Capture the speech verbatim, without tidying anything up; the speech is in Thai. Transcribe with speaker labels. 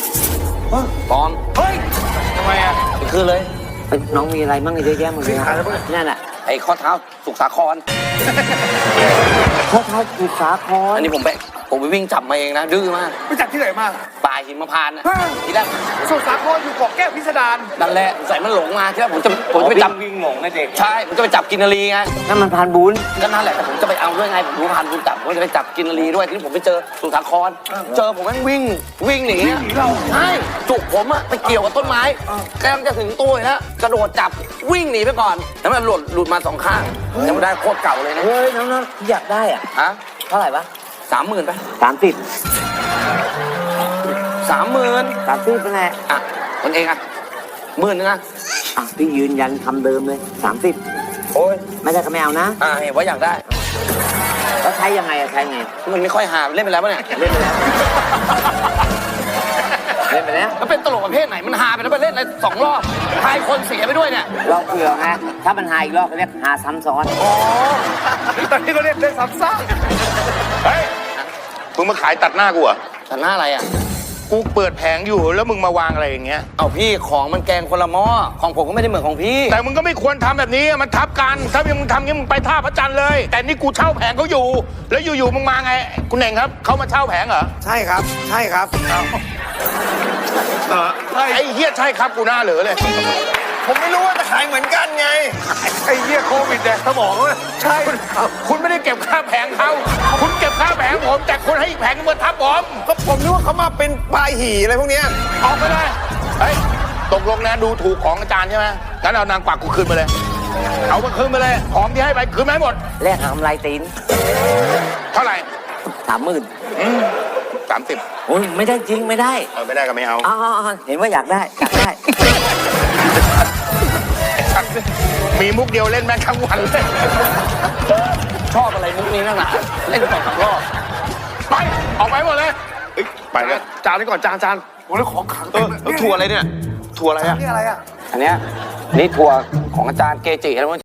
Speaker 1: ปลอม
Speaker 2: เฮ้ยทำไมอ่ะ
Speaker 1: ไปคืนเลย
Speaker 3: น้องมีอะไรบ้างเยอะแยะหมดเลยนั่นแหละ
Speaker 1: ไอ้ข้อเท้าสุกสาคร
Speaker 3: ข้อเท้าสุสาคร
Speaker 1: อันนี้ผมไปผมไปวิ่งจับมาเองนะดื้อมาก
Speaker 2: ไปจับที่ไหนมา
Speaker 1: ป่าหิมพานต์นะทีแรก
Speaker 2: สุสาครอยู่เกาะแก้วพิสดาร
Speaker 1: นั่นแหละใส่มันหลงมาที่แรกผมจะผมจะไปจับ
Speaker 2: วิ่งหลงนะเด็ก
Speaker 1: ใช่ผมจะไปจับกินนารีไง
Speaker 3: นั่นมันพานบุญ
Speaker 1: ก็นั่นแหละแต่ผมจะไปเอาด้วยไงผมรู้พันคุณจับผมจะไปจับกินนารีด้วยที่ผมไปเจอสุสาครเจอผมแม่งวิ่งวิ่งหนีใช่จุกผมอะไปเกี่ยวกับต้นไม้กำลังจะถึงตัวแล้วกระโดดจับวิ่งหนีไปก่อนแล้วมันหลุดหลุดมาสองข้างยังไม่ได้โคตรเก่าเลยนะ
Speaker 3: เฮ้ยน้องๆอยากได้อ่ะ
Speaker 1: ฮะ
Speaker 3: เท่าไหร่ปะ
Speaker 1: สามหมื่นไป
Speaker 3: สามสิบ
Speaker 1: สามหมื่น
Speaker 3: สามสิบเป็นไง
Speaker 1: อ่ะคนเองอ่ะหมื่นนึงอ่ะ
Speaker 3: อ่ะพี่ยืนยันคำเดิมเลยสามสิบ
Speaker 1: โอ้ย
Speaker 3: ไม่ได้ก็ไม่เอานะ
Speaker 1: อ่าเห็นว่าอยากได้
Speaker 3: แล้วใช้ยังไงอะใช้ไง
Speaker 1: มันไม่ค่อยหาเล่นไปแล้วปะเนี่ย
Speaker 3: เล่นไปแล้วเล่นไปแล้ว
Speaker 1: มันเป็นตลกประเภทไหนมันหาไปแล้วไปเล่นอะไรสองรอบทายคนเสียไปด้วยเนี่ย
Speaker 3: รอบเผื่อไงถ้ามันหาอีกรอบเขาเรียกหาซ้ำซ้อน
Speaker 2: อ๋อตอนนี้เขาเรียกเล่นซ้ำซาก
Speaker 4: เฮ้ย มึงมาขายตัดหน้ากูเหรอ่ะ
Speaker 1: แต่หน้าอะไรอ่ะ
Speaker 4: กูเปิดแผงอยู่แล้วมึงมาวางอะไรอย่างเงี้ย
Speaker 1: เอาพี่ของมันแกงคนละหม้อของผมก็ไม่ได้เหมือนของพี่
Speaker 4: แต่มึงก็ไม่ควรทำแบบนี้มันทับกัน ถ้ามึงทำอย่างนี้มึงไปท่าพระจันทร์เลย แต่นี่กูเช่าแผงเขาอยู่ แล้วอยู่ๆมึงมาไง คุณเน่งครับเขามาเช่าแผงเหรอ
Speaker 2: ใช่ครับ ใช่ครับเออใช่
Speaker 4: ไอ้เฮียใช่ครับกูหน้าเหลือเลย
Speaker 2: ผมไม่รู้ว่าจะขายเหมือนกันไงไอ้เหี้ยโควิดแดกสมองเลยใช่ครับ
Speaker 4: คุณไม่ได้เก็บค่าแผงเขาคุณเก็บค่าแผงผม แต่คุณให้อีกแผงนึงมาทับผม
Speaker 2: ก็ผมนึกว่าเขามาเป็นปลายหี่อะไรพวกเนี้ย
Speaker 4: ออกไปเลยเฮ้ยตกลงนะดูถูกของอาจารย์ใช่ไหมงั้นเอานางกวักกูคืนมาเลย เอามาคืนมาเลยของที่ให้ไปคืนมาให้หมด
Speaker 3: แลกกับกำไรตีน
Speaker 4: เท่าไหร่
Speaker 3: สามหมื่น
Speaker 4: สามสิบ
Speaker 3: โอ้ยไม่ได้จริงไม่ได้
Speaker 4: เออไม่ได้ก็ไม่เอา
Speaker 3: อ๋อเห็นว่าอยากได้อยากได้
Speaker 4: มีมุกเดียวเล่นแม่งทั้งวันเลย
Speaker 1: ชอบอะไรมุกนี้นักหนาเล่นสองสามรอบ
Speaker 4: ไป ออกไปหมดเลยไปเลย
Speaker 2: จานนี้ก่อนจานจานโอ้แล้วของขังเต็มเลย
Speaker 4: ถั่วอะไรเนี่ยถั่วอะไรอ่ะ
Speaker 2: นี่อะไรอ่ะ
Speaker 1: อันเนี้ยนี่ทัวร์ของอาจารย์เกจิแล้ว